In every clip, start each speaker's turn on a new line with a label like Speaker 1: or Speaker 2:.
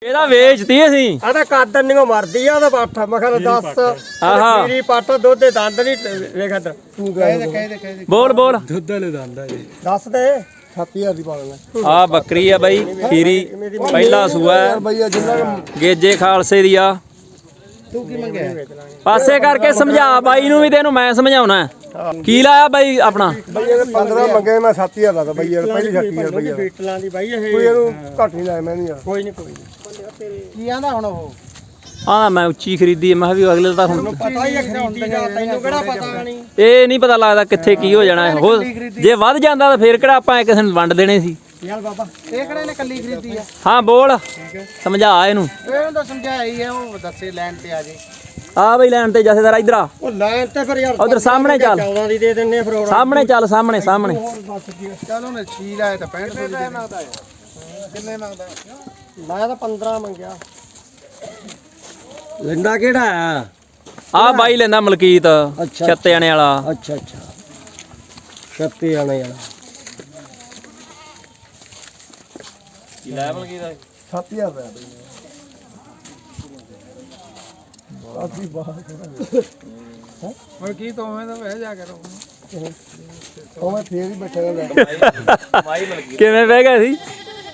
Speaker 1: ਇਹਦਾ ਵੇਚਤੀ ਅਸੀਂ
Speaker 2: ਆਦਾ ਕਾਦਨ ਨਹੀਂ ਮਰਦੀ ਆ ਉਹਦਾ ਪੱਠ ਮੈਂ ਕਹਿੰਦਾ 10
Speaker 1: ਆਹਾ
Speaker 2: ਮੇਰੀ ਪੱਠ ਦੁੱਧ ਦੇ ਦੰਦ ਨਹੀਂ ਵੇਖ ਤੂੰ
Speaker 3: ਕਹਿ
Speaker 1: ਬੋਲ ਬੋਲ
Speaker 3: ਦੁੱਧ ਵਾਲੇ ਦੰਦ ਆ ਜੀ।
Speaker 2: ਦੱਸ ਦੇ 7000 ਦੀ ਪਾ ਲੈਣਾ
Speaker 1: ਆ ਬੱਕਰੀ ਆ ਬਾਈ ਖੀਰੀ ਪਹਿਲਾ ਸੂਆ ਹੈ।
Speaker 2: ਬਈਆ ਜਿੰਨਾ
Speaker 1: ਗੇਜੇ ਖਾਲਸੇ ਦੀ ਆ
Speaker 3: ਤੂੰ ਕੀ ਮੰਗਿਆ?
Speaker 1: ਪਾਸੇ ਕਰਕੇ ਸਮਝਾ ਬਾਈ ਨੂੰ ਵੀ ਤੈਨੂੰ ਮੈਂ ਸਮਝਾਉਣਾ ਕੀ ਲਾਇਆ ਬਾਈ ਆਪਣਾ
Speaker 2: ਬਈਆ ਦੇ 15 ਮੰਗੇ ਮੈਂ 7000 ਲਾਦਾ ਬਈਆ ਪਹਿਲੀ 30000 ਬਈਆ ਬੀਟਲਾਂ ਦੀ ਬਾਈ ਇਹ ਕੋਈ ਇਹਨੂੰ ਘੱਟ ਨਹੀਂ ਲਾਇਆ ਮੈਂ ਨਹੀਂ ਕੋਈ ਨਹੀਂ
Speaker 3: ਕੀ ਆਂਦਾ ਹੁਣ ਉਹ?
Speaker 1: ਆਹ ਮੈਂ ਉੱਚੀ ਖਰੀਦੀ ਮੈਂ ਕਿਹਾ ਵੀ ਅਗਲੇ ਤਾਂ ਹੁਣ
Speaker 2: ਪਤਾ ਹੀ ਖਰੀਦੀ ਦਾ ਤੈਨੂੰ ਕਿਹੜਾ ਪਤਾ ਨਹੀਂ
Speaker 1: ਇਹ ਨਹੀਂ ਪਤਾ ਲੱਗਦਾ ਕਿੱਥੇ ਕੀ ਹੋ ਜਾਣਾ ਹੋਰ ਜੇ ਵੱਧ ਜਾਂਦਾ ਤਾਂ ਫੇਰ ਕਿਹੜਾ ਆਪਾਂ ਕਿਸੇ ਨੂੰ ਵੰਡ ਦੇਣੇ ਸੀ
Speaker 2: ਯਾਰ ਬਾਬਾ
Speaker 3: ਇਹ ਕਿਹੜੇ ਨੇ ਕੱਲੀ ਖਰੀਦੀ ਆ?
Speaker 1: ਹਾਂ ਬੋਲ ਸਮਝਾ ਇਹਨੂੰ
Speaker 3: ਇਹਨੂੰ ਤਾਂ ਸਮਝਾਇਆ ਹੀ ਆ, ਉਹ ਦੱਸੇ ਲੈਣ ਤੇ ਆ ਜੇ।
Speaker 1: ਆ ਬਈ ਲੈਣ ਤੇ ਜਥੇਦਾਰ ਇਧਰ ਆ
Speaker 2: ਉਹ ਲਾਈਨ ਤੇ ਫਿਰ ਯਾਰ
Speaker 1: ਉਧਰ ਸਾਹਮਣੇ ਚੱਲ
Speaker 2: 14 ਦੀ ਦੇ ਦਿੰਨੇ ਫਿਰ ਹੋਰ
Speaker 1: ਸਾਹਮਣੇ ਚੱਲ ਸਾਹਮਣੇ ਸਾਹਮਣੇ
Speaker 3: ਚੱਲ ਉਹਨੇ 6 ਲਾਇਆ ਤਾਂ 65 ਦੇ ਮੰਗਦਾ। ਕਿੰਨੇ ਮੰਗਦਾ?
Speaker 2: ਮੈਂ ਤਾਂ 15 ਮੰਗਿਆ ਲੈਂਦਾ ਕਿਹੜਾ ਆ
Speaker 1: ਆ ਬਾਈ ਲੈਂਦਾ ਮਲਕੀਤ ਛੱਤੇ ਆਣੇ ਵਾਲਾ
Speaker 2: ਅੱਛਾ ਅੱਛਾ ਛੱਤੇ ਆਣੇ ਵਾਲਾ
Speaker 1: ਕੀ ਲਾਇਆ ਮਲਕੀਤ
Speaker 2: 7000 ਦਾ ਆਦੀ ਬਾਹਰ
Speaker 3: ਹੁਣ ਕੀ ਤੋਂ ਮੈਂ ਤਾਂ ਵਹਿ ਜਾ ਕਰੋ।
Speaker 2: ਉਹ ਮੈਂ ਫੇਰ ਹੀ ਬੈਠਾ ਰਹਿੰਦਾ
Speaker 1: ਮਾਈ ਮਲਕੀਤ ਕਿਵੇਂ ਬਹਿ ਗਿਆ ਸੀ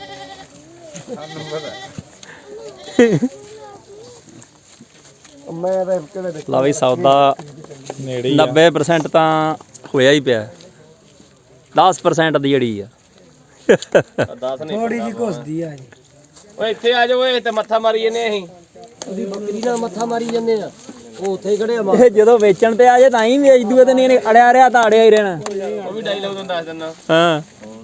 Speaker 2: ਮੈਂ ਤਾਂ ਕਿਹੜੇ
Speaker 1: ਲਾ ਬਈ ਸੌਦਾ ਨੇੜੇ 90% ਤਾਂ ਹੋਇਆ ਹੀ ਪਿਆ 10% ਦੀ ਜੜੀ ਆ
Speaker 4: 10 ਨਹੀਂ
Speaker 2: ਥੋੜੀ ਜੀ ਘੁਸਦੀ ਆ ਜੀ
Speaker 4: ਓਏ ਇੱਥੇ ਆ ਜਾਓ ਓਏ ਤੇ ਮੱਥਾ ਮਾਰੀ ਜੰਨੇ ਅਸੀਂ
Speaker 2: ਉਹਦੀ ਬੱਕਰੀ ਨਾਲ ਮੱਥਾ ਮਾਰੀ ਜੰਨੇ ਆ ਉਹ ਉੱਥੇ ਹੀ ਖੜੇ ਆ
Speaker 1: ਇਹ ਜਦੋਂ ਵੇਚਣ ਤੇ ਆ ਜੇ ਤਾਂ ਹੀ ਵੇਚ ਦੂਏ ਤੇ ਨਹੀਂ ਇਹਨੇ ਅੜਿਆ ਰਿਆ ਤਾਂ ਅੜਿਆ ਹੀ ਰਹਿਣਾ
Speaker 4: ਉਹ ਵੀ ਡਾਇਲੌਗ ਤੁਹਾਨੂੰ ਦੱਸ ਦਿੰਦਾ
Speaker 1: ਹਾਂ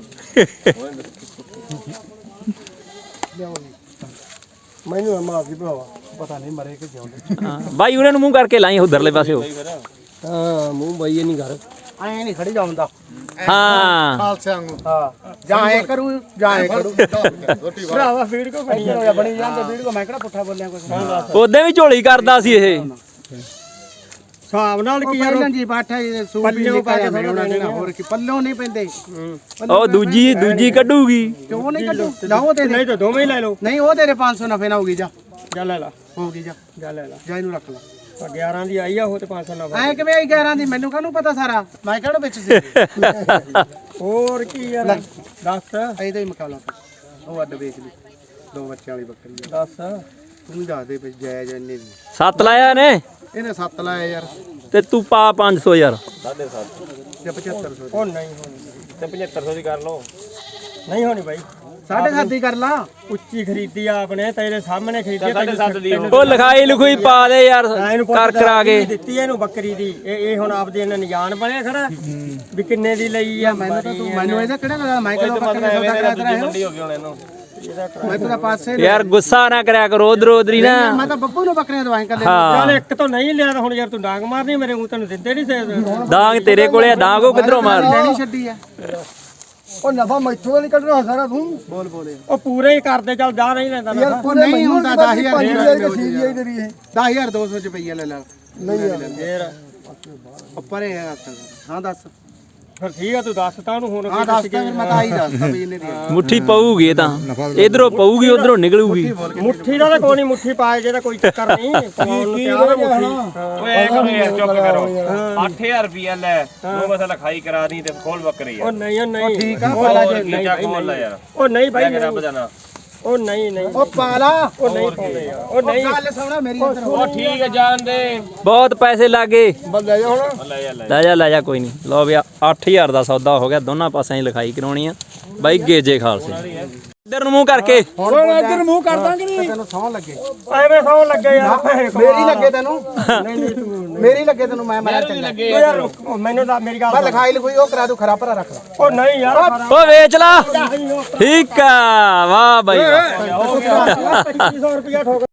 Speaker 2: ਮੈਨੂੰ ਮਾਰਦੀ ਭਰਾਵਾ ਪਤਾ ਨਹੀਂ ਮਰੇ ਕਿ ਜਿਉਂਦੇ
Speaker 1: ਹਾਂ, ਬਾਈ ਉਰੇ ਨੂੰ ਮੂੰਹ ਕਰਕੇ ਲਾਈ ਉਧਰਲੇ ਪਾਸੇ ਹੋ
Speaker 2: ਹਾਂ ਮੂੰਹ ਬਾਈ ਇਹ ਨਹੀਂ ਘਰ
Speaker 3: ਐ ਨਹੀਂ ਖੜੀ ਜਾਉਂਦਾ
Speaker 1: ਹਾਂ
Speaker 3: ਖਾਲਸਿਆਂ ਨੂੰ। ਹਾਂ ਜਾਂ ਐ ਕਰੂ ਜਾਂ ਐ ਕਰੂ।
Speaker 2: ਭਰਾਵਾ ਫੀਡ ਕੋ ਬਣੀ
Speaker 3: ਹੋਇਆ ਬਣੀ ਜਾਂਦਾ ਵੀਡੀਓ ਮੈਂ ਕਿਹੜਾ ਪੁੱਠਾ ਬੋਲਿਆ ਕੁਛ।
Speaker 1: ਉਹਦੇ ਵੀ ਝੋਲੀ ਕਰਦਾ ਸੀ ਇਹ
Speaker 2: ਹਿਸਾਬ ਨਾਲ ਕੀ ਯਾਰ
Speaker 3: ਪਹਿਲਾਂ ਜੀ ਬਾਠਾ ਜੀ ਸੂਪ ਵੀ
Speaker 2: ਪੱਲਿਓਂ ਪਾ ਕੇ
Speaker 3: ਨਿਕਲਿਆ ਉਹਨਾਂ ਨੇ ਹੋਰ ਕੀ ਪੱਲਿਓਂ ਨਹੀਂ ਪੈਂਦੇ।
Speaker 1: ਉਹ ਦੂਜੀ ਕੱਢੂਗੀ
Speaker 3: ਕਿਉਂ ਨਹੀਂ ਕੱਢੂ? ਲਾਓ ਤੇ
Speaker 2: ਨਹੀਂ ਤਾਂ ਦੋਵੇਂ ਹੀ ਲੈ ਲਓ
Speaker 3: ਨਹੀਂ ਉਹ ਤੇਰੇ 500 ਨਫੇ ਨਾ ਹੋਗੀ ਜਾ
Speaker 2: ਜਾ ਲੈ ਲਾ
Speaker 3: ਹੋਗੀ ਜਾ
Speaker 2: ਜਾ ਲੈ ਲਾ
Speaker 3: ਜਾ ਇਹਨੂੰ ਰੱਖ ਲੈ।
Speaker 2: 11 ਦੀ ਆਈ ਆ ਉਹ ਤੇ 500 ਨਾ
Speaker 3: ਐ ਕਿਵੇਂ ਆਈ 11 ਦੀ ਮੈਨੂੰ ਕਾਹਨੂੰ ਪਤਾ ਸਾਰਾ ਮੈਂ ਕਿਹੜਾ ਵਿੱਚ ਸੀ।
Speaker 2: ਹੋਰ ਕੀ ਯਾਰ ਦੱਸ
Speaker 3: ਇਹਦਾ ਹੀ ਮੁਕਾਬਲਾ ਉਹ ਅੱਡ ਵੇਚ ਲਈ 2 ਬੱਚਿਆਂ ਵਾਲੀ ਬੱਕਰੀ ਆ।
Speaker 2: ਦੱਸ
Speaker 3: ਤੂੰ ਦੱਸ ਦੇ ਵਿੱਚ ਜਾਇਜ਼ ਇੰਨੇ ਦੀ
Speaker 1: 7 ਲਾਇਆ ਨੇ
Speaker 3: ਇਹਨੇ 7 ਲਾਇਆ ਯਾਰ
Speaker 1: ਤੇ ਤੂੰ ਪਾ 500 ਯਾਰ
Speaker 4: 7.5
Speaker 3: ਜਾਂ 7500
Speaker 2: ਉਹ ਨਹੀਂ ਹੋਣੀ
Speaker 4: ਤੇ 7500 ਦੀ ਕਰ ਲਓ
Speaker 2: ਨਹੀਂ ਹੋਣੀ ਬਾਈ
Speaker 3: 7.5 ਦੀ ਕਰ ਲਾ।
Speaker 2: ਉੱਚੀ ਖਰੀਦੀ ਆ ਆਪਣੇ ਤੇਰੇ ਸਾਹਮਣੇ ਖਰੀਦੀ ਆ,
Speaker 4: 7.5 ਦੀ
Speaker 1: ਉਹ ਲਿਖਾਈ ਲੁਖਾਈ ਪਾ ਦੇ ਯਾਰ ਕਰ ਕਰਾ ਕੇ
Speaker 2: ਦਿੱਤੀ ਇਹਨੂੰ ਬੱਕਰੀ ਦੀ ਇਹ ਹੁਣ ਆਪਦੇ ਇਹਨਾਂ ਨਿਜਾਨ ਬਣਿਆ ਖੜਾ ਵੀ ਕਿੰਨੇ ਦੀ ਲਈ ਆ
Speaker 3: ਮੈਨੂੰ ਇਹਦਾ ਕਿਹੜਾ ਗੱਲ ਮੈਂ ਕਿਹੜਾ ਬੱਕਰੀ ਦਾ ਸੌਦਾ ਕਰਾ ਤੇਰਾ
Speaker 4: ਮੰਡੀ ਹੋ ਗਈ ਹੁਣ ਇਹਨੂੰ
Speaker 3: ਮੈਂ ਤੇਰਾ ਪਾਸੇ
Speaker 1: ਯਾਰ ਗੁੱਸਾ ਨਾ ਕਰਿਆ ਕਰੋ ਉਧਰ ਉਧਰ ਹੀ ਨਾ
Speaker 3: ਮੈਂ ਤਾਂ ਬੱਬੂ ਨੂੰ ਬੱਕਰੀਆਂ ਦਵਾਈ ਕਰ ਲੈ।
Speaker 2: ਚੱਲ ਇੱਕ ਤੋਂ ਨਹੀਂ ਲਿਆ ਤਾਂ ਹੁਣ ਯਾਰ ਤੂੰ ਡਾਂਗ ਮਾਰਨੀ ਮੇਰੇ ਮੂੰਹ ਤੈਨੂੰ ਦਿੰਦੇ ਨਹੀਂ ਸੇ
Speaker 1: ਦਾਗ ਤੇਰੇ ਕੋਲੇ ਆ ਦਾਗ ਉਹ ਕਿੱਧਰੋਂ ਮਾਰ
Speaker 3: ਲੈਣੀ ਛੱਡੀ ਆ।
Speaker 2: ਉਹ ਨਫਾ ਮੈਥੋਂ ਨਹੀਂ ਕੱਢਣਾ ਸਾਰਾ ਤੂੰ
Speaker 3: ਬੋਲ ਬੋਲੇ
Speaker 2: ਉਹ ਪੂਰੇ ਹੀ ਕਰਦੇ ਚੱਲ ਜਾ ਨਹੀਂ ਲੈਂਦਾ ਨਾ
Speaker 3: ਉਹ ਨਹੀਂ ਹੁੰਦਾ 10000
Speaker 2: ਤੇਰੀ ਇਹ
Speaker 3: 10200 ਰੁਪਈਆ ਲੈ ਲੈ
Speaker 2: ਨਹੀਂ ਯਾਰ ਫੇਰ
Speaker 3: ਉੱਪਰ ਹੈ ਹਾਂ ਦੱਸ
Speaker 2: ਫਿਰ ਠੀਕ ਆ ਤੂੰ ਦੱਸ ਤਾਂ ਉਹਨੂੰ ਹੁਣ
Speaker 3: ਹਾਂ ਦੱਸ ਤਾਂ ਮੈਂ ਤਾਂ ਆਹੀ ਦੱਸਦਾ ਵੀ ਇਹਨੇ ਦੀ
Speaker 1: ਮੁੱਠੀ ਪਊਗੀ ਇਹ ਤਾਂ ਇਧਰੋਂ ਪਊਗੀ ਉਧਰੋਂ ਨਿਕਲੂਗੀ
Speaker 2: ਮੁੱਠੀ ਦਾ ਤਾਂ ਕੋਈ ਨਹੀਂ ਮੁੱਠੀ ਪਾਏ ਜਿਹਦਾ ਕੋਈ ਚੱਕਰ ਨਹੀਂ ਪਾਉਣ ਨੂੰ ਤਿਆਰ ਆ ਮੁੱਠੀ
Speaker 4: ਓਏ ਐ ਕਰੋ ਯਾਰ ਚੁੱਪ ਕਰੋ 8000 ਰੁਪਿਆ ਲੈ ਉਹ ਬਸ ਲਿਖਾਈ ਕਰਾ ਦੀ ਤੇ ਖੋਲ ਬੱਕਰੀ
Speaker 2: ਉਹ
Speaker 4: ਆ
Speaker 2: ਨਹੀਂ ਉਹ ਨਹੀਂ
Speaker 3: ਠੀਕ ਆ
Speaker 4: ਹੋਰ ਕੀ ਜਾ ਖੋਲ ਲੈ ਯਾਰ
Speaker 2: ਉਹ ਨਹੀਂ ਬਾਈ
Speaker 4: ਮੈਂ ਰੱਬ ਦਾ ਨਾਂ
Speaker 2: ਉਹ ਨਹੀਂ ਨਹੀਂ
Speaker 3: ਉਹ ਪਾਲਾ
Speaker 2: ਉਹ ਨਹੀਂ ਪਾਉਂਦੇ ਯਾਰ ਉਹ ਨਹੀਂ
Speaker 3: ਗੱਲ ਸੁਣਾ ਮੇਰੀ ਇੱਧਰ
Speaker 4: ਉਹ ਠੀਕ ਹੈ ਜਾਣ ਦੇ
Speaker 1: ਬਹੁਤ ਪੈਸੇ ਲੱਗੇ
Speaker 2: ਬੰਦਾ ਜਾ ਹੁਣ
Speaker 4: ਲੈ ਜਾ ਲੈ
Speaker 1: ਲੈ ਜਾ ਕੋਈ ਨਹੀਂ ਲਓ ਵੀ 8000 ਦਾ ਸੌਦਾ ਹੋ ਗਿਆ ਦੋਨਾਂ ਪਾਸਿਆਂ 'ਚ ਲਿਖਾਈ ਕਰਾਉਣੀ ਆ ਬਾਈ ਗੇਜੇ ਖਾਲਸੇ ਇੱਧਰ ਨੂੰ ਮੂੰਹ ਕਰਕੇ
Speaker 3: ਹੁਣ ਇੱਧਰ ਮੂੰਹ ਕਰ ਦਾਂਗੇ ਨਹੀਂ ਤੈਨੂੰ ਸੌਂ ਲੱਗੇ
Speaker 2: ਐਵੇਂ ਸੌ ਲੱਗੇ ਯਾਰ
Speaker 3: ਮੇਰੀ ਲੱਗੇ ਤੈਨੂੰ
Speaker 2: ਨਹੀਂ ਨਹੀਂ ਤੂੰ
Speaker 3: ਮੇਰੀ ਲੱਗੇ ਤੈਨੂੰ ਮੈਂ ਮਾਰਿਆ ਚੰਗਾ
Speaker 2: ਉਹ ਯਾਰ ਉਹ ਮੈਨੂੰ ਤਾਂ ਮੇਰੀ ਗੱਲ
Speaker 3: ਮੈਂ ਲਿਖਾਈ ਲਿਖੋਈ ਉਹ ਕਰਾ ਦੂ ਖਰਾ ਭਰਾ ਰੱਖ ਲਾ
Speaker 2: ਉਹ ਨਹੀਂ ਯਾਰ
Speaker 1: ਓ ਵੇਚ ਲਾ ਠੀਕ ਆ ਵਾਹ ਬਾਈ ਵਾਹ।
Speaker 2: 2500 ਰੁਪਇਆ ਠੋਕ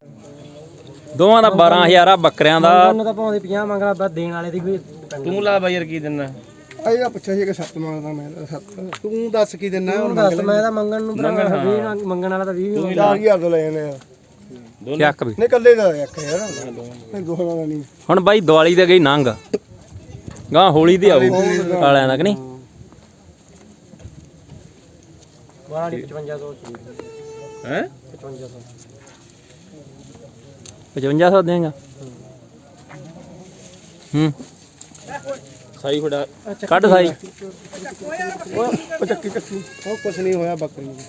Speaker 1: ਦੋਵਾਂ ਦਾ 12000 ਆ ਬੱਕਰਿਆਂ ਦਾ
Speaker 2: ਉਹਨੂੰ ਤਾਂ ਭਾਵੇਂ 50 ਮੰਗਣਾ ਬਸ ਦੇਣ ਵਾਲੇ ਦੀ ਕੋਈ
Speaker 4: ਤੂੰ ਲਾ ਬਾਈ ਯਾਰ ਕੀ ਦਿੰਦਾ
Speaker 2: ਆਇਆ ਪੁੱਛਿਆ ਸੀ ਕਿ 7 ਮੰਗਦਾ ਮੈਂ 7
Speaker 3: ਤੂੰ ਦੱਸ ਕੀ ਦਿੰਨਾ ਹੁਣ
Speaker 2: ਦੱਸ ਮੈਂ ਤਾਂ ਮੰਗਣ ਨੂੰ ਮੰਗਣ ਵਾਲਾ ਤਾਂ 20 4000 ਤੋਂ ਲੈ ਜਾਂਦੇ ਆ
Speaker 1: ਚੱਕ ਵੀ
Speaker 2: ਨਹੀਂ ਕੱਲੇ ਦਾ ਇੱਕ ਯਾਰ ਨਹੀਂ ਦੋਹਾਂ ਦਾ ਨਹੀਂ
Speaker 1: ਹੁਣ ਬਾਈ ਦੀਵਾਲੀ ਤੇ ਗਈ ਨੰਗ ਗਾਂ ਹੋਲੀ ਤੇ ਆਊ ਵਾਲਿਆਂ ਦਾ ਕਿ ਨਹੀਂ
Speaker 2: ਵਾਲੀ 5500
Speaker 4: ਹੈ
Speaker 2: 5500
Speaker 1: 5500 ਦੇਗਾ
Speaker 4: ਸਾਈ ਫੜਾ
Speaker 1: ਕੱਢ ਸਾਈ
Speaker 2: ਉਹ ਚੱਕੀ
Speaker 3: ਉਹ ਕੁਛ ਨਹੀਂ ਹੋਇਆ ਬੱਕਰੀ ਨੂੰ।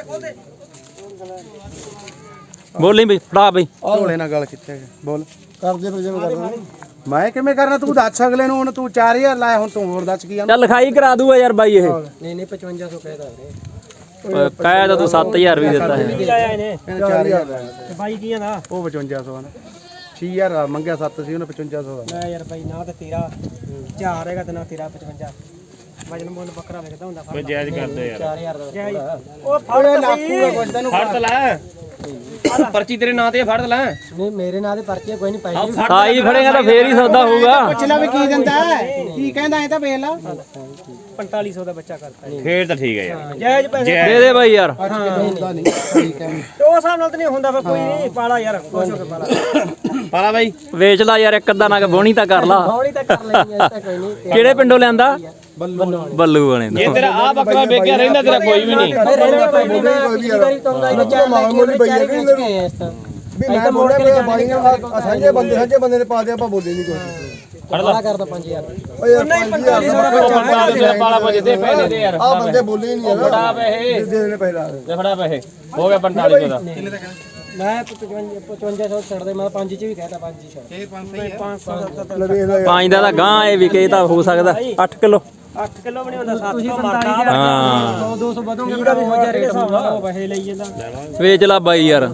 Speaker 1: ਬੋਲੀ ਬਈ ਫੜਾ ਬਈ
Speaker 3: ਢੋਲੇ ਨਾਲ ਗੱਲ ਕਿੱਥੇ ਬੋਲ
Speaker 2: ਕਰਦੇ ਫਿਰ ਜਿਵੇਂ ਕਰਨਾ
Speaker 3: ਮੈਂ ਕਿਵੇਂ ਕਰਨਾ ਤੂੰ ਦੱਸ ਅਗਲੇ ਨੂੰ ਹੁਣ ਤੂੰ 4000 ਲਾਇਆ ਹੁਣ ਤੂੰ ਹੋਰ ਦੱਸ ਕੀ ਆ
Speaker 1: ਚੱਲ ਲਿਖਾਈ ਕਰਾ ਦੂਗਾ ਯਾਰ ਬਾਈ ਇਹ
Speaker 2: ਨਹੀਂ 5500 ਕਹਿਦਾ ਵੀਰੇ
Speaker 1: ਕਹਿ ਤਾਂ ਤੂੰ 7000 ਵੀ ਦਿੱਤਾ ਹੈ
Speaker 2: ਲਾਇਆ ਇਹਨੇ
Speaker 3: 4000 ਲਾਇਆ
Speaker 2: ਤੇ ਬਾਈ ਕੀ ਆਂਦਾ
Speaker 3: ਉਹ 5500 ਆ ਨਾ 6000 ਮੰਗਿਆ 7 ਸੀ ਉਹਨੇ 5500 ਦਾ
Speaker 2: ਮੈਂ ਯਾਰ ਬਾਈ ਨਾ ਤੇ ਤੇਰਾ 4 ਹੈਗਾ ਤੇ ਨਾ ਤੇਰਾ 55 ਵਜਨ ਮੁੱਲ ਬੱਕਰਾ ਵਿਕਦਾ ਹੁੰਦਾ
Speaker 4: ਕੋਈ ਜਾਇਜ਼ ਕਰਦੇ ਯਾਰ
Speaker 2: 4000 ਦਾ ਉਹ ਫੜ ਲਾਖੂਗਾ ਕੁਝ ਤੈਨੂੰ
Speaker 4: ਫੜ ਤਾਂ ਲੈ ਪਰਚੀ ਤੇਰੇ ਨਾਂ ਤੇ ਫੜ ਤਾਂ ਲੈ
Speaker 2: ਨਹੀਂ ਮੇਰੇ ਨਾਂ ਦੇ ਪਰਚੇ ਕੋਈ ਨਹੀਂ ਪਾਈ
Speaker 1: ਸਾਈ ਫੜੇਗਾ ਤਾਂ ਫੇਰ ਹੀ ਸੌਦਾ ਹੋਊਗਾ
Speaker 3: ਪੁੱਛ ਲੈ ਵੀ ਕੀ ਦਿੰਦਾ ਕੀ ਕਹਿੰਦਾ ਇਹ ਤਾਂ ਵੇਖ ਲਾ
Speaker 2: 4500 ਦਾ ਬੱਚਾ ਕਰਤਾ
Speaker 4: ਫੇਰ ਤਾਂ ਠੀਕ ਹੈ ਯਾਰ
Speaker 2: ਜਾਇਜ਼ ਪੈਸੇ
Speaker 1: ਦੇ ਦੇ ਬਾਈ ਯਾਰ
Speaker 3: ਹੁੰਦਾ ਨਹੀਂ ਠੀਕ ਹੈ
Speaker 2: ਤੇ ਉਹ ਹਿਸਾਬ ਨਾਲ ਤਾਂ ਨਹੀਂ ਹੁੰਦਾ ਫਿਰ ਕੋਈ ਨਹੀਂ ਪਾਲਾ ਯਾਰ ਖੁਸ਼ ਹੋ ਕੇ ਪਾਲਾ
Speaker 4: ਪਾਲਾ ਬਾਈ
Speaker 1: ਵੇਚ ਲਾ ਯਾਰ ਇੱਕ ਅੱਧਾ ਨਗ ਬੋਣੀ ਤਾਂ ਕਰ ਲਾ
Speaker 2: ਹੌਲੀ ਤਾਂ ਕਰ ਲੈਣੀ ਐ ਤਾਂ ਕੋਈ ਨਹੀਂ
Speaker 1: ਕਿਹੜੇ ਪਿੰਡੋਂ ਲਿਆਂਦਾ ਬੱਲੂ ਵਾਲੇ
Speaker 4: ਜੇ ਤੇਰਾ ਆ ਬੱਕਰਾ ਵੇਖਿਆ ਰਹਿੰਦਾ ਤੇਰਾ ਕੋਈ ਵੀ ਨਹੀਂ
Speaker 2: ਰਹਿੰਦੇ ਕੋਈ ਨਹੀਂ ਮੈਂ ਵਾਰੀ ਤੋਂ ਦਾ ਬੱਚਾ ਮਾਮੂਲੀ ਬਈ ਹੈ ਵੀ ਮੈਂ ਮੋੜੇ ਮੇਰੇ ਬਾਈਆਂ ਸਾਂਝੇ ਬੰਦੇ ਨੇ ਪਾ ਦਿਆ ਆਪਾਂ ਬੋਲੇ ਨਹੀਂ ਕੋਈ ਫੜਲਾ ਕਰਦਾ 5000 ਓਏ ਨਹੀਂ
Speaker 4: 4500 ਪਾਲਾ ਪਜੇ ਦੇ ਪੈਸੇ ਦੇ ਯਾਰ
Speaker 2: ਆ ਬੰਦੇ ਬੋਲੇ ਹੀ ਨਹੀਂ ਯਾਰ
Speaker 4: ਫੜਾ ਪੈਸੇ
Speaker 2: ਦੇ ਦੇਣੇ ਪਹਿਲਾਂ
Speaker 4: ਦੇ ਫੜਾ ਪੈਸੇ ਹੋ ਗਿਆ 4500 ਦਾ
Speaker 2: ਮੈਂ 5500 ਛੱਡ ਦੇ ਮੈਂ 5 ਚ ਵੀ ਕਹਿਤਾ 5 ਚ ਛੱਡ 500 ਦਾ
Speaker 3: ਲੈ ਵੇਖ ਲੈ
Speaker 1: ਪੰਜ ਦਾ ਤਾਂ ਗਾਂ ਇਹ ਵਿਕੇ ਤਾਂ ਹੋ ਸਕਦਾ 8 ਕਿਲੋ
Speaker 2: 8 ਕਿਲੋ ਵੀ ਨਹੀਂ ਹੁੰਦਾ 700 ਮਰਦਾ
Speaker 1: ਹਾਂ
Speaker 2: 200 ਵਧੋਗੇ ਤਾਂ ਹੋ ਜਾ ਰੇਟ ਉਹ ਪੈਸੇ ਲਈ ਜਾਂਦਾ
Speaker 1: ਵੇਚ ਲਾ ਬਾਈ ਯਾਰ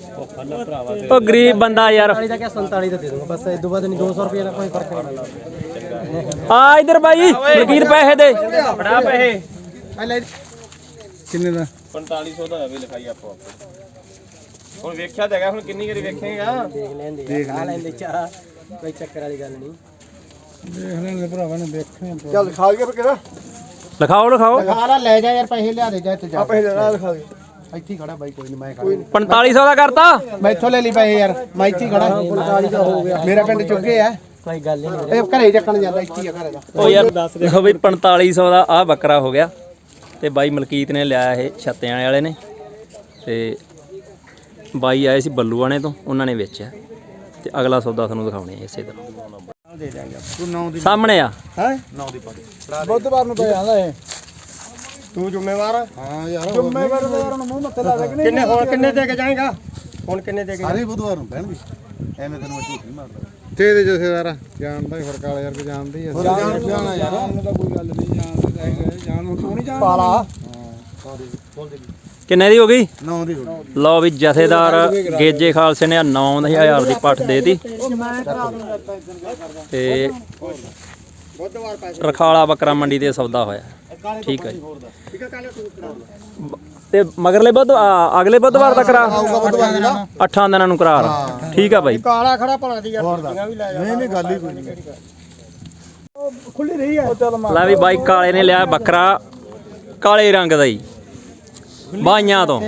Speaker 1: ਉਹ ਗਰੀਬ ਬੰਦਾ ਯਾਰ
Speaker 2: 47 ਦਾ ਕਿਆ 47 ਦਾ ਦੇ ਦੂੰਗਾ ਬਸ ਇਹ ਤੋਂ ਬਾਅਦ ਨਹੀਂ 200 ਰੁਪਏ ਦਾ ਕੋਈ ਫਰਕ ਨਹੀਂ ਪੈਂਦਾ
Speaker 1: ਆ ਇਧਰ ਬਾਈ ਫਕੀਰ ਪੈਸੇ ਦੇ
Speaker 4: ਫੜਾ ਪੈਸੇ
Speaker 3: ਕਿੰਨੇ ਦਾ
Speaker 4: 4500 ਦਾ ਵੀ ਲਿਖਾਈ ਆਪੋ ਹੁਣ ਵੇਖਿਆ ਤਾਂ ਹੈਗਾ ਹੁਣ ਕਿੰਨੀ ਵਾਰੀ ਵੇਖੇਗਾ
Speaker 2: ਦੇਖ ਲੈਂਦੇ ਆ ਲੈਂਦੇ ਚਾਹ ਕੋਈ ਚੱਕਰ ਵਾਲੀ ਗੱਲ ਨਹੀਂ
Speaker 3: ਦੇਖ ਲੈਣ ਦੇ ਭਰਾਵਾਂ ਨੇ ਦੇਖਣੇ
Speaker 2: ਚੱਲ ਖਾ ਗਿਆ ਫਿਰ ਕਿਹੜਾ
Speaker 1: ਲਿਖਾਓ
Speaker 3: ਸਾਰਾ ਲੈ ਜਾ ਯਾਰ ਪੈਸੇ ਲਿਆ ਦੇ ਜਾ ਇੱਥੇ ਜਾ
Speaker 2: ਪੈਸੇ ਲੈ ਲਿਖਾ ਦੇ
Speaker 3: ਇੱਥੇ ਹੀ ਖੜਾ ਬਾਈ ਕੋਈ ਨਹੀਂ ਮੈਂ ਖੜਾ
Speaker 1: 4500 ਦਾ ਕਰਤਾ
Speaker 3: ਮੈਂ ਇੱਥੋਂ ਲੈ ਲਈ ਪੈਸੇ ਯਾਰ ਮੈਂ ਇੱਥੇ ਹੀ ਖੜਾ
Speaker 2: 45 ਦਾ ਹੋ ਗਿਆ
Speaker 3: ਮੇਰਾ ਪਿੰਡ ਚੁੱਕੇ ਆ
Speaker 2: ਕੋਈ ਗੱਲ ਨਹੀਂ
Speaker 3: ਇਹ ਘਰੇ ਚੱਕਣ ਜਾਂਦਾ ਇੱਥੇ ਹੀ ਆ ਘਰੇ ਦਾ
Speaker 1: ਉਹ ਯਾਰ ਦੇਖੋ ਬਈ 4500 ਦਾ ਆ ਬੱਕਰਾ ਹੋ ਗਿਆ ਤੇ ਬਾਈ ਮਲਕੀਤ ਨੇ ਲਿਆ ਇਹ ਛੱਤਿਆਂ ਵਾਲੇ ਨੇ ਤੇ ਬਾਈ ਆਏ ਸੀ ਬੱਲੂਆਣੇ ਤੋਂ ਉਹਨਾਂ ਨੇ ਵੇਚਿਆ ਤੇ ਅਗਲਾ ਸੌਦਾ ਤੁਹਾਨੂੰ ਦਿਖਾਉਣੇ ਆ ਇਸੇ ਤਰ੍ਹਾਂ
Speaker 2: ਦੇ ਦਾਂਗੇ
Speaker 3: ਤੂੰ 9 ਦੀ
Speaker 1: ਸਾਹਮਣੇ ਆ
Speaker 3: ਹੈ 9 ਦੀ ਪਾ ਬੁੱਧਵਾਰ ਨੂੰ ਪੈ ਜਾਂਦਾ ਇਹ
Speaker 2: ਤੂੰ ਜ਼ਿੰਮੇਵਾਰ
Speaker 3: ਹਾਂ ਯਾਰ ਜ਼ਿੰਮੇਵਾਰ ਤਾਂ ਯਾਰ ਮੂੰਹ ਮੱਥੇ ਲਾ ਦੇ
Speaker 2: ਕਿੰਨੇ ਹੋਰ ਕਿੰਨੇ ਦੇ ਕੇ ਜਾਏਗਾ ਹੁਣ ਕਿੰਨੇ ਦੇ ਕੇ
Speaker 3: ਸਾਰੇ ਬੁੱਧਵਾਰ ਨੂੰ ਪੈਣਗੇ ਐਵੇਂ ਤੈਨੂੰ ਮੈਂ ਝੂਠ ਨਹੀਂ ਮਾਰਦਾ ਤੇ ਦੇ ਜਥੇਦਾਰ ਜਾਣਦਾ ਹੀ ਫਰਕ ਵਾਲਾ ਯਾਰ ਕਿ ਜਾਣਦੇ ਹੀ ਜਾਣਾ ਯਾਰ ਉਹਨੂੰ ਤਾਂ ਕੋਈ ਗੱਲ ਨਹੀਂ ਜਾਣਦੇ ਤਾਂ ਹੈਗੇ ਜਾਣ ਤੂੰ ਨਹੀਂ ਜਾਣਦਾ
Speaker 2: ਪਾਲਾ
Speaker 1: ਕਿੰਨੇ ਦੀ ਹੋ ਗਈ
Speaker 3: 9 ਦੀ ਹੋਣੀ
Speaker 1: ਲਓ ਵੀ ਜਥੇਦਾਰ ਗੇਜੇ ਖਾਲਸੇ ਨੇ 9000 ਦੀ ਪੱਠ ਦੇਤੀ ਤੇ ਰਖਾਲਾ ਬੱਕਰਾ ਮੰਡੀ ਤੇ ਸੌਦਾ ਹੋਇਆ ਠੀਕ ਹੈ ਜੀ ਤੇ ਮਗਰਲੇ ਅਗਲੇ ਬੁੱਧਵਾਰ ਦਾ ਕਰਾ 8 ਦਿਨਾਂ ਨੂੰ ਕਰਾਰ ਠੀਕ ਆ ਬਾਈ
Speaker 2: ਕਾਲਾ ਖੜਾ ਭਲਾ ਦੀ ਯਾਰ ਵੀ ਲੈ ਜਾ
Speaker 3: ਨਹੀਂ ਗੱਲ ਹੀ ਕੋਈ ਨਹੀਂ
Speaker 2: ਖੁੱਲੀ ਰਹੀ ਹੈ
Speaker 1: ਲੈ ਵੀ ਬਾਈ ਕਾਲੇ ਨੇ ਲਿਆ ਬੱਕਰਾ ਕਾਲੇ ਰੰਗ ਦਾ ਹੀ ਬਾਈਆਂ ਤੋਂ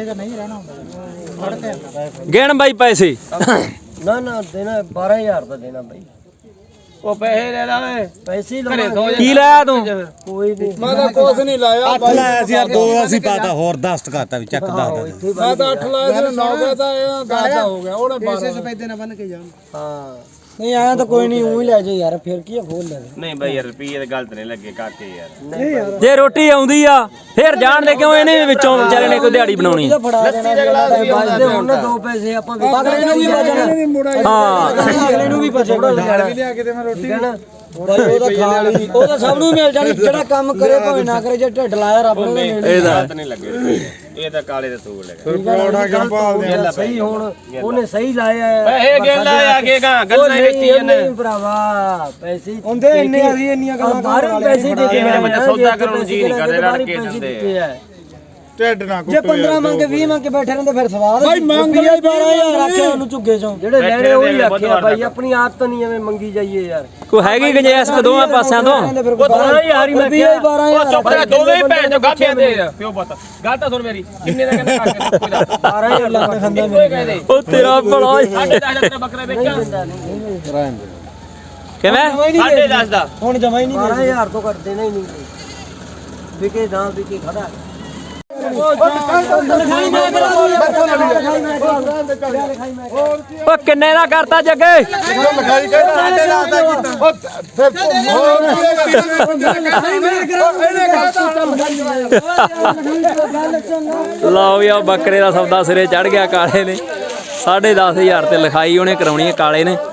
Speaker 1: ਗਿਣ ਬਾਈ ਪੈਸੇ
Speaker 2: ਨਾ ਦੇਣਾ 12000 ਦਾ ਦੇਣਾ ਬਾਈ
Speaker 4: ਉਹ ਪੈਸੇ ਲੈ ਲੈ
Speaker 2: ਪੈਸੇ ਹੀ
Speaker 4: ਘਰੇ ਸੌ
Speaker 1: ਕੀ ਲਾਇਆ ਤੂੰ
Speaker 2: ਕੋਈ ਨਹੀਂ
Speaker 3: ਮੈਂ ਤਾਂ ਕੁਝ ਨਹੀਂ ਲਾਇਆ 8 ਲਾਇਆ ਸੀ ਯਾਰ 2 ਅਸੀਂ ਪਾਤਾ ਹੋਰ 10 ਕਰਤਾ ਵੀ ਚੱਕ 10 ਦਾ ਮੈਂ ਤਾਂ 8 ਲਾਇਆ ਸੀ 9 ਦਾ ਇਹ 10 ਦਾ ਹੋ ਗਿਆ ਉਹਨੇ 12 ਸਫੈਦੇ ਨਾਲ ਬੰਨ ਕੇ ਜਾਣ
Speaker 2: ਹਾਂ ਨਹੀਂ ਆਇਆ ਤਾਂ ਕੋਈ ਨਹੀਂ ਉਹੀ ਲੈ ਜਾ ਯਾਰ ਫਿਰ ਕੀ ਫੋਨ ਲੈ
Speaker 4: ਨਹੀਂ ਬਾਈ ਯਾਰ ਰੁਪਈਏ ਤੇ ਗਲਤ ਨਹੀਂ ਲੱਗੇ ਕਾਕੇ ਯਾਰ
Speaker 1: ਜੇ ਰੋਟੀ ਆਉਂਦੀ ਆ ਫਿਰ ਜਾਣ ਦੇ ਕਿਉਂ ਇਹਨੇ ਵਿੱਚੋਂ ਵਿਚਾਰੇ ਨੇ ਕੋਈ ਦਿਹਾੜੀ ਬਣਾਉਣੀ
Speaker 2: ਫੜਾ ਦੇਣਾ ਬਚਦੇ ਹੁਣ 2 ਪੈਸੇ ਆਪਾਂ ਅਗਲੇ ਨੂੰ ਵੀ ਬਚਣਾ
Speaker 1: ਹਾਂ
Speaker 2: ਅਗਲੇ ਨੂੰ ਵੀ ਬਚੇਗਾ
Speaker 3: ਵੀ ਲਿਆ ਕੇ ਤੇ ਮੈਂ ਰੋਟੀ
Speaker 2: ਬਾਈ ਉਹਦਾ ਖਾ ਲਈ ਉਹ ਤਾਂ ਸਭ ਨੂੰ ਮਿਲ ਜਾਣੀ ਜਿਹੜਾ ਕੰਮ ਕਰੇ ਭਾਵੇਂ ਨਾ ਕਰੇ ਜੇ ਢਿੱਡ ਲਾਇਆ ਰੱਬ ਨੂੰ ਮਿਲਣੀ
Speaker 4: ਗਲਤ ਨਹੀਂ ਲੱਗੇ ਇਹ ਤਾਂ ਕਾਲੇ ਦੇ ਤੂਲ ਲੱਗੇ
Speaker 3: ਫਿਰ ਪਰੌਠਾ ਕਿਉਂ ਭਾਲਦੇ ਆ
Speaker 2: ਸਹੀ ਹੁਣ ਉਹਨੇ ਸਹੀ ਲਾਇਆ ਹੈ
Speaker 4: ਪੈਸੇ ਗੇਲਾ ਆ ਕੇ ਗਾ ਗੱਲਾਂ ਹੀ ਵੇਚੀ ਜਾਂਦੇ
Speaker 2: ਨਹੀਂ ਭਰਾਵਾ ਪੈਸੇ ਹੁੰਦੇ ਇੰਨੇ ਅਸੀਂ ਇੰਨੀਆਂ ਗੱਲਾਂ ਬਾਹਰੋਂ ਪੈਸੇ ਦੇ
Speaker 4: ਇਹ ਮੇਰੇ ਬੱਚਾ ਸੌਦਾ ਕਰਨ ਨੂੰ ਜੀ ਨਹੀਂ ਕਰਦੇ ਰੜ ਕੇ ਦਿੰਦੇ
Speaker 3: ਢਿੱਡ ਨਾ
Speaker 2: ਜੇ 15 ਮੰਗੇ 20 ਮੰਗੇ ਬੈਠੇ ਰਹਿੰਦੇ ਫਿਰ ਸਵਾਦ ਬਾਈ ਮੰਗ ਲਿਆ 12000 ਆਖਿਆ ਉਹਨੂੰ ਝੁੱਗੇ ਚੋਂ ਜਿਹੜੇ ਲੈਣੇ ਉਹੀ ਆਖਿਆ ਬਾਈ ਆਪਣੀ ਆਦਤ ਨਹੀਂ ਐਵੇਂ ਮੰਗੀ ਜਾਈਏ ਯਾਰ
Speaker 1: ਕੋਈ ਹੈਗੀ ਗੁੰਜਾਇਸ਼ ਦੋਵਾਂ ਪਾਸਿਆਂ ਤੋਂ
Speaker 2: ਉਹ 12000 ਹੀ ਮੈਂ ਕਿਹਾ 12000
Speaker 4: ਚੁੱਪ ਕਰ ਦੋਵੇਂ ਭੈਣ ਜੋ ਗਾਠਿਆਂ ਦੇ ਪਿਓ ਪੁੱਤ ਗੱਲ ਤਾਂ ਸੁਣ ਮੇਰੀ ਕਿੰਨੇ ਦਾ ਕਹਿੰਦਾ ਕਾਕੇ ਕੋਈ ਦੱਸ
Speaker 2: 12000 ਲੱਗ ਖਾਂਦਾ ਮੇਰੇ
Speaker 1: ਉਹ ਤੇਰਾ ਬੜਾ
Speaker 4: ਸਾਡੇ 10 ਦਾ ਬੱਕਰਾ ਵੇਚਾਂ
Speaker 1: ਕਿਵੇਂ
Speaker 4: 10.5 ਦਾ
Speaker 2: ਹੁਣ ਜਮਾ ਹੀ ਨਹੀਂ 12000 ਤੋਂ ਘੱਟ ਦੇਣਾ ਹੀ ਨਹੀਂ ਵਿਕੇ ਨਾ ਵਿਕੇ ਖੜਾ
Speaker 1: ਉਹ ਕਿੰਨੇ ਦਾ ਕਰਤਾ ਜੱਗੇ
Speaker 2: ਲਿਖਾਈ ਕਹਿੰਦਾ ਸਾਡੇ ਨਾਲ ਦਾ ਕੀਤਾ
Speaker 1: ਲਓ ਵੀ ਆ ਬੱਕਰੇ ਦਾ ਸੌਦਾ ਸਿਰੇ ਚੜ ਗਿਆ ਕਾਲੇ ਨੇ 10,500 ਤੇ ਲਿਖਾਈ ਉਹਨੇ ਕਰਾਉਣੀ ਹੈ ਕਾਲੇ ਨੇ